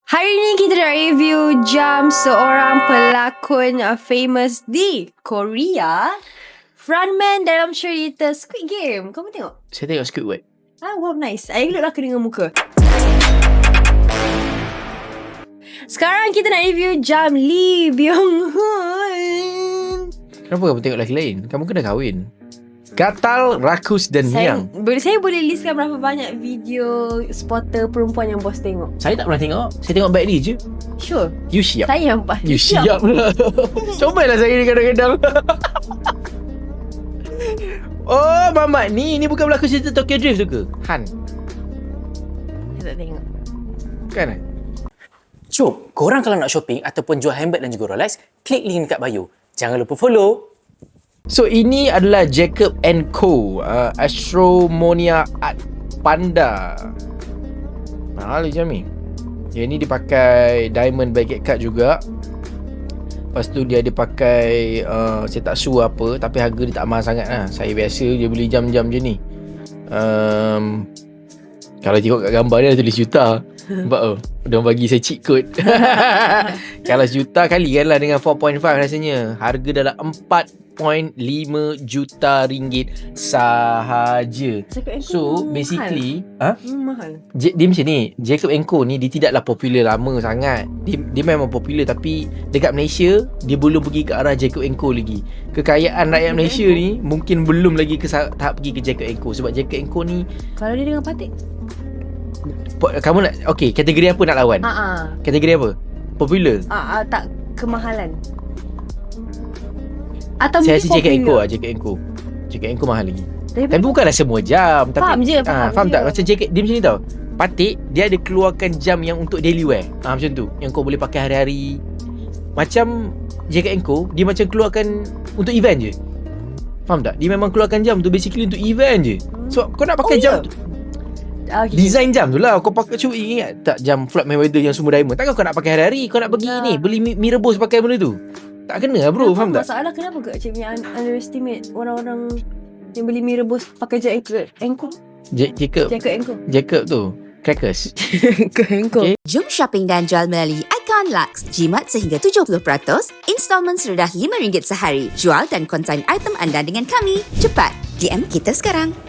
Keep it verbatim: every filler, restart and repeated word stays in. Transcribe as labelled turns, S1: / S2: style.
S1: Hari ni kita nak review jam seorang pelakon uh, famous di Korea, frontman dalam cerita Squid Game. Kamu tengok?
S2: Saya tengok Squidward.
S1: Ah, wow, nice. I look lelaki dengan muka. Sekarang kita nak review jam Lee Byung-hun.
S2: Kenapa kamu tengok lelaki lain? Kamu kena kahwin. Gatal, rakus dan
S1: Saya,
S2: miang.
S1: boleh, saya boleh listkan berapa banyak video spotter perempuan yang bos tengok.
S2: Saya tak pernah tengok. Saya tengok back ni je.
S1: Sure.
S2: You siap.
S1: Saya yang pas.
S2: You siap lah. Cobalah saya ni kadang-kadang. Oh, Mamat ni. Ni bukan berlaku cerita Tokyo Drift tu ke? Han.
S1: Saya tak tengok.
S2: Kan eh?
S3: So, korang kalau nak shopping ataupun jual handbag dan juga Rolex, klik link dekat bio. Jangan lupa follow.
S2: So, ini adalah Jacob and Co. Uh, Astromonia Art Panda. Mahal je ni. Yang ni dipakai diamond baguette cut juga. Lepas tu dia ada pakai uh, saya tak sure apa, tapi harga dia tak mahal sangat lah. Saya biasa dia beli jam-jam je ni. Um, kalau tengok kat gambar dia, dia tulis juta. Nampak oh, dia bagi saya cheat code. Kalau sejuta kalikan lah dengan four point five rasanya. Harga dalam empat perpuluhan lima juta ringgit sahaja. So basically
S1: mahal.
S2: ha?
S1: Hmm, mahal.
S2: J- dia macam ni, Jacob and Co ni dia tidaklah popular lama sangat. Dia, dia memang popular, tapi dekat Malaysia dia belum pergi ke arah Jacob and Co lagi. Kekayaan rakyat Malaysia ni mungkin belum lagi ke tahap pergi ke Jacob and Co. Sebab Jacob and Co ni,
S1: Kalau dia dengan Patik,
S2: kamu nak, okay, kategori apa nak lawan?
S1: Ah, ah.
S2: Kategori apa? Popular?
S1: Ah, ah, tak kemahalan. Atau
S2: Saya
S1: mungkin
S2: rasa Jacob and Co
S1: popular.
S2: lah. Jacob and Co. Jacob and Co mahal lagi.
S1: Tapi,
S2: Tapi bukanlah semua jam, tapi
S1: Faham je,
S2: ah,
S1: faham
S2: faham
S1: je.
S2: tak? Macam Jacob, dia macam ni tau. Patik dia ada keluarkan jam yang untuk daily wear. Ah, macam tu. Yang kau boleh pakai hari-hari. Macam Jacob and Co, dia macam keluarkan untuk event je. Faham tak? Dia memang keluarkan jam tu basically untuk event je. So kau nak pakai
S1: Oh,
S2: jam
S1: ya?
S2: tu,
S1: okay.
S2: design jam tu lah. Kau pakai, cuba ingat tak jam Floyd Mayweather yang semua diamond? Takkan kau nak pakai hari-hari? Kau nak pergi
S1: Ya.
S2: ni beli mi, mi rebus pakai benda tu? Tak kena lah bro, faham tak?
S1: Masalah kenapa ke Cik punya un- underestimate orang-orang yang beli mie rebus pakai Jacob and Co?
S2: Ja- Jacob
S1: Jacob and Co.
S2: Jacob tu crackers.
S1: Jacob and Co.
S2: Okay.
S4: Jom shopping dan jual melalui Icon Lux. Jimat sehingga tujuh puluh peratus, installment serendah lima ringgit sehari. Jual dan konsign item anda dengan kami. Cepat, D M kita sekarang.